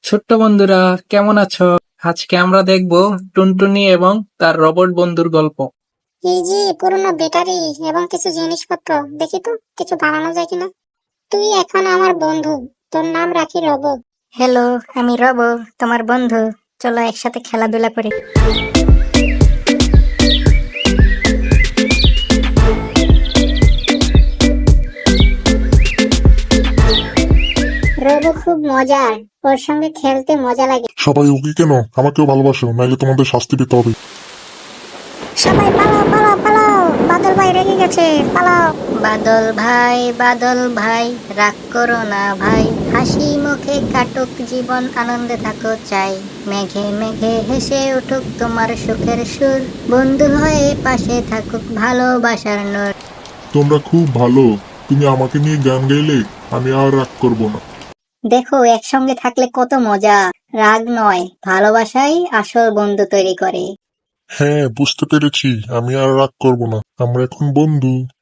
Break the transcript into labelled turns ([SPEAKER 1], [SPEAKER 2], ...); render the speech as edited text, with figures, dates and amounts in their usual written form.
[SPEAKER 1] ছোট্ট বন্ধুরা, কেমন আছো? আজকে আমরা দেখব টুনটুনি এবং তার রোবট বন্ধুর গল্প।
[SPEAKER 2] এই যে পুরনো ব্যাটারি এবং কিছু জিনিসপত্র, দেখি তো কিছু বানানো যায় কিনা। তুই এখন আমার বন্ধু, তোর নাম রাখি রব।
[SPEAKER 3] হ্যালো, আমি রব, তোমার বন্ধু। চলো একসাথে খেলাধুলা করি।
[SPEAKER 2] রব খুব মজার, ওর সঙ্গে খেলতে মজা লাগে।
[SPEAKER 4] সবাই ওকে কেন? আমাকেও ভালোবাসো, নাইলে তোমাদের শাস্তি পেতে হবে।
[SPEAKER 3] সবাই পালাও পালাও পালাও, বাদল ভাই রেগে গেছে, পালাও। বাদল ভাই রাগ করো না ভাই, হাসি মুখে কাটুক জীবন, আনন্দে থাকো চাই। মেঘে মেঘে হেসে উঠুক তোমার সুখের সুর, বন্ধু হয়ে পাশে থাকুক ভালোবাসার নূর।
[SPEAKER 4] তোমরা খুব ভালো। তুমি আমাকে নিয়ে গান গাইলে আমি আর রাগ করব না।
[SPEAKER 3] দেখো, একসঙ্গে থাকলে কত মজা। রাগ নয়, ভালোবাসাই আসল বন্ধু তৈরি করে।
[SPEAKER 4] হ্যাঁ, বুঝতে পেরেছি। আমি আর রাগ করব না। আমরা এখন বন্ধু।